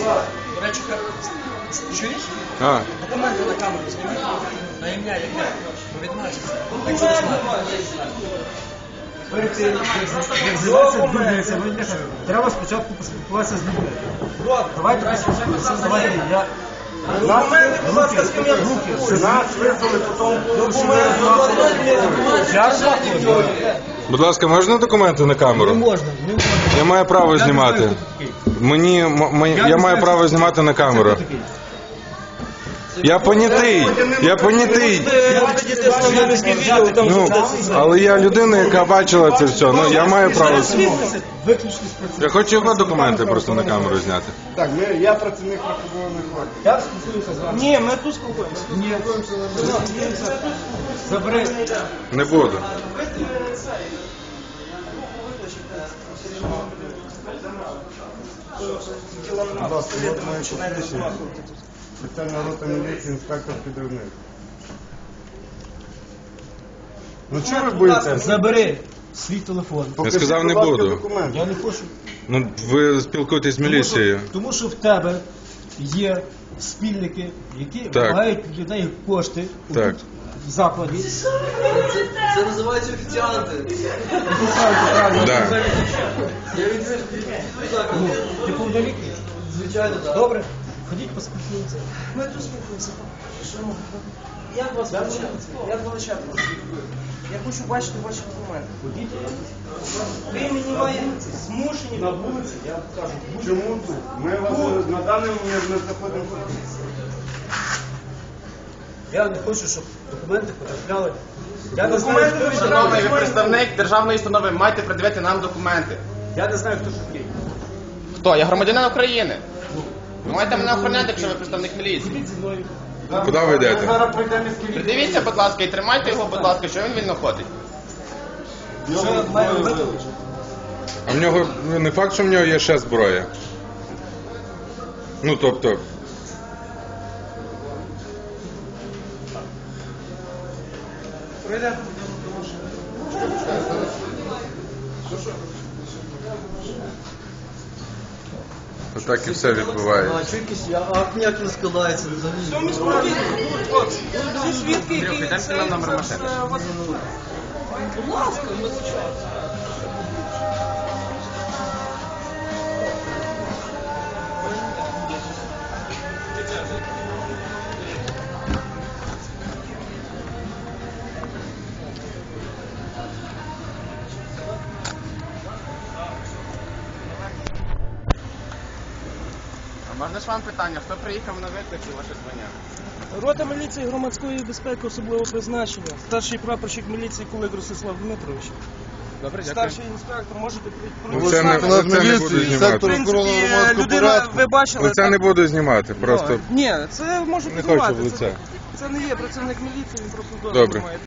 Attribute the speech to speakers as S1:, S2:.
S1: До речі, чуєш? Документи на камеру знімають. На ім'я яке? Повідмачиться. Якщо не
S2: Перед тим, як займатися дурницями, треба спочатку поспілкуватися з людьми. Давайте поспілкуємося, давайте я...
S3: Документи, будь ласка, з ким я спілкуюся. Нас визвали, потім документи.
S4: Будь ласка, можна документи на камеру?
S2: Не можна.
S4: Я маю право знімати. Я маю право знімати на камеру. Я понятий. Ну, але я людина, яка бачила це все. Ну, я маю право. Я хочу його документи просто на камеру зняти.
S3: Так, я працівник рахункової форми.
S2: Я спілкуюся з вами.
S3: Ні, ми тут спілкуємося.
S2: Ні. Забери.
S4: Не буду.
S3: Будь ласка, от моє посвідчення. Спеціальна рота міліції, інспектор підривник. Ну чого ви боїтеся?
S2: Забери свій телефон.
S4: Я сказав, не буду.
S2: Я не хочу.
S4: Ну, ви спілкуєтесь з міліцією.
S2: Тому що в тебе є спільники, які вимагають людей кошти
S4: Так.
S2: в закладі.
S1: Це називається офіціанти.
S4: Да.
S2: Ти повнолітній?
S1: Звичайно, так.
S2: Добре? Ходіть поспілкуємося.
S1: Ми тут спілкуємося. Як вас величати? Як величати вас? Я хочу бачити ваші документи. Ви мені маєте змушені на вулиці, я кажу.
S3: Чому тут? Ми вас на даний момент не заходимо.
S2: Я не хочу, щоб документи потрапляли. Я не
S3: Документи
S2: знаю, хто
S5: Шановний, ви представник державної установи, маєте пред'явити нам документи.
S2: Я не знаю, хто такий.
S5: Хто? Я громадянин України. Ви маєте мене охороняти, якщо ви представник міліції.
S2: Ходіть зі мною.
S4: Куди ви йдете?
S3: Зараз прийдемо із кількістю.
S5: Придивіться, будь ласка, і тримайте його, будь ласка, що він вільно ходить.
S2: Що я маю робити?
S4: А в нього, не факт, що в нього є ще зброя. Ну, тобто... Отак і все відбувається.
S1: Акт ніяк не складається. Всі свідки, які...
S5: Підемо нам номер машини.
S1: Будь ласка, ми звичайно.
S5: А можна ж вам питання, хто приїхав на виклик і ваше звання?
S6: Рота міліції громадської безпеки особливого призначення. Старший прапорщик міліції Кулик Ростислав Дмитрович.
S5: Добре, дякую.
S6: Старший інспектор, можете
S4: Ну, це не буду знімати.
S6: В принципі, людина, ви бачили...
S4: Лиця не буду знімати, просто
S6: Ні, це може
S4: не хочу
S6: підбивати.
S4: в лице.
S6: Це не є працівник міліції, він просто дозвіл
S4: Добре.
S6: має.